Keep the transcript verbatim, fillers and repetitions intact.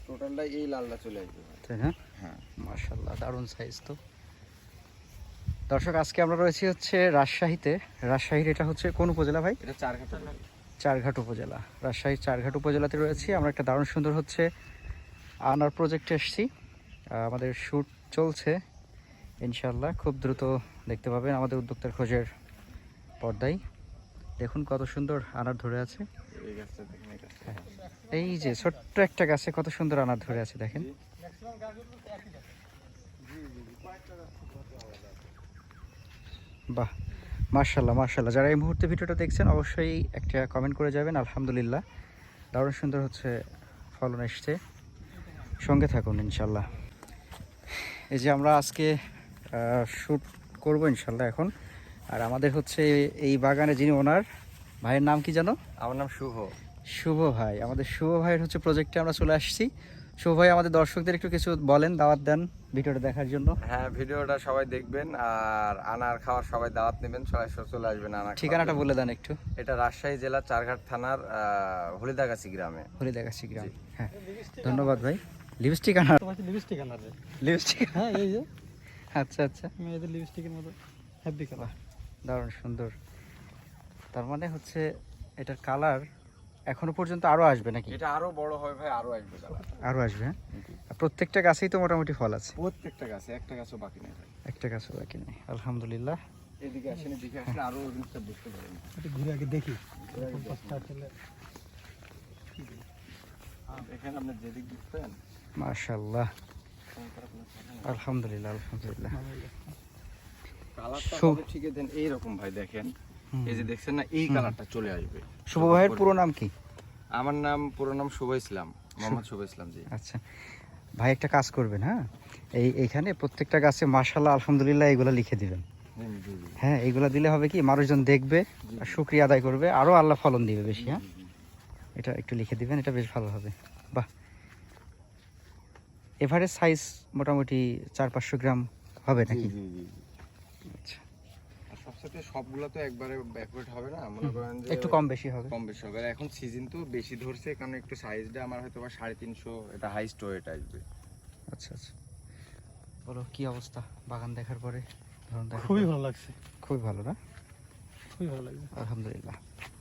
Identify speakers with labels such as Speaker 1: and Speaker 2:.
Speaker 1: টোটালটা এই লালটা চলে আসবে,
Speaker 2: তাই না?
Speaker 1: হ্যাঁ
Speaker 2: মাশাআল্লাহ, দারুণ সাইজ তো। দর্শক, আজকে আমরা রয়েছি হচ্ছে রাজশাহীতে। রাজশাহীর এটা হচ্ছে কোন উপজেলা ভাই?
Speaker 1: এটা চারঘাট
Speaker 2: চারঘাট উপজেলা। রাজশাহীর চারঘাট উপজেলাতে রয়েছি আমরা। একটা দারুণ সুন্দর হচ্ছে আনার প্রজেক্টে এসেছি। আমাদের শ্যুট চলছে, ইনশাল্লাহ খুব দ্রুত দেখতে পাবেন আমাদের উদ্যোক্তার খোঁজের পর্দায়। দেখুন কত সুন্দর আনার ধরে আছে।
Speaker 1: এই গাছটা দেখেন, এই গাছটা
Speaker 2: এই যে ছোট্ট একটা গাছে কত সুন্দর আনার ধরে আছে দেখেন। বাহ, মার্শাল্লাহ মার্শাল্লাহ। যারা এই মুহূর্তে ভিডিওটা দেখছেন অবশ্যই একটা কমেন্ট করে যাবেন। আলহামদুলিল্লাহ, দারুণ সুন্দর হচ্ছে ফলন এসছে। সঙ্গে থাকুন ইনশাল্লাহ। এই যে আমরা আজকে শ্যুট করবো ইনশাল্লাহ এখন। আর আমাদের হচ্ছে এই বাগানে যিনি ওনার, ভাইয়ের নাম কি জানো?
Speaker 1: আমার নাম শুভ।
Speaker 2: শুভ ভাই, আমাদের শুভ ভাইয়ের হচ্ছে প্রজেক্টে আমরা চলে আসছি। শুভ ভাই, আমাদের দর্শকদের একটু কিছু বলেন, দাওয়াত দেন ভিডিওটা দেখার জন্য।
Speaker 1: হ্যাঁ, ভিডিওটা সবাই দেখবেন আর আনার খাওয়ার সবাই দাওয়াত নেবেন, সবাই চলে আসবেন আনার।
Speaker 2: ঠিকানাটা বলে দেন একটু।
Speaker 1: এটা রাজশাহী জেলা চারঘাট থানার হলিদাগাছি গ্রামে।
Speaker 2: হলিদাগাছি গ্রাম, হ্যাঁ। ধন্যবাদ ভাই। লিপস্টিক আনার,
Speaker 3: লিপস্টিক আনার,
Speaker 2: লিপস্টিক,
Speaker 3: হ্যাঁ এই যে
Speaker 2: আচ্ছা আচ্ছা,
Speaker 3: মেয়েদের লিপস্টিকের মতো হ্যাপি কালার,
Speaker 2: দারুণ সুন্দর। তার মানে হচ্ছে এটার কালার এখনো পর্যন্ত আরো আসবে নাকি?
Speaker 1: এটা আরো বড় হয় ভাই, আরো আসবে কালার,
Speaker 2: আরো আসবে। হ্যাঁ, প্রত্যেকটা গাছেই তো মোটামুটি ফল আছে?
Speaker 1: প্রত্যেকটা গাছে, একটা গাছও বাকি নেই ভাই,
Speaker 2: একটা গাছও বাকি নেই, আলহামদুলিল্লাহ।
Speaker 1: এদিকে আসেন, এদিকে আসেন, আরো জিনিসটা বুঝতে পারেন।
Speaker 3: একটু ঘুরে আগে দেখি।
Speaker 1: এখানে আপনি যেদিক বুঝতেন,
Speaker 2: মাশাআল্লাহ, আলহামদুলিল্লাহ আলহামদুলিল্লাহ।
Speaker 1: কালারটা
Speaker 2: শু-
Speaker 1: হবে ঠিক দেন এইরকম ভাই, দেখেন এই যে দেখছেন না, এই কালারটা চলে আসবে।
Speaker 2: শুভ ভাইয়ের পুরো নাম কি?
Speaker 1: আমার নাম, পুরো নাম শুভ ইসলাম, মোহাম্মদ শুভ ইসলাম জি।
Speaker 2: আচ্ছা ভাই, একটা কাজ করবেন, হ্যাঁ, এই এইখানে প্রত্যেকটা গাছে মাশাআল্লাহ আলহামদুলিল্লাহ এগুলো লিখে দিবেন।
Speaker 1: জি, জি,
Speaker 2: হ্যাঁ, এইগুলো দিলে হবে কি, মানুষজন দেখবে আর শুকরিয়া আদায় করবে, আরো আল্লাহ ফলন দিবে বেশি। হ্যাঁ, এটা একটু লিখে দিবেন, এটা বেশ ভালো হবে। বাহ, এভারেজ সাইজ মোটামুটি চার পাঁচশো গ্রাম হবে
Speaker 1: জি,
Speaker 2: নাকি?
Speaker 1: জি, জি, জি।
Speaker 2: আচ্ছা,
Speaker 1: আর সবসাথে সবগুলো তো একবারে ব্যাকওয়ার্ড হবে না, মনে করেন যে
Speaker 2: একটু কম বেশি হবে।
Speaker 1: কম বেশি হবে। আর এখন সিজন তো বেশি ধরছে, কারণ একটু সাইজটা আমার হয়তো বা সাড়ে তিনশো, এটা হাইস্ট ওয়েট আসবে।
Speaker 2: আচ্ছা আচ্ছা, বলো কি অবস্থা বাগান দেখার পরে? ধরুন,
Speaker 3: খুবই ভালো লাগছে,
Speaker 2: খুবই ভালো না?
Speaker 3: খুবই ভালো লাগছে।
Speaker 2: আলহামদুলিল্লাহ।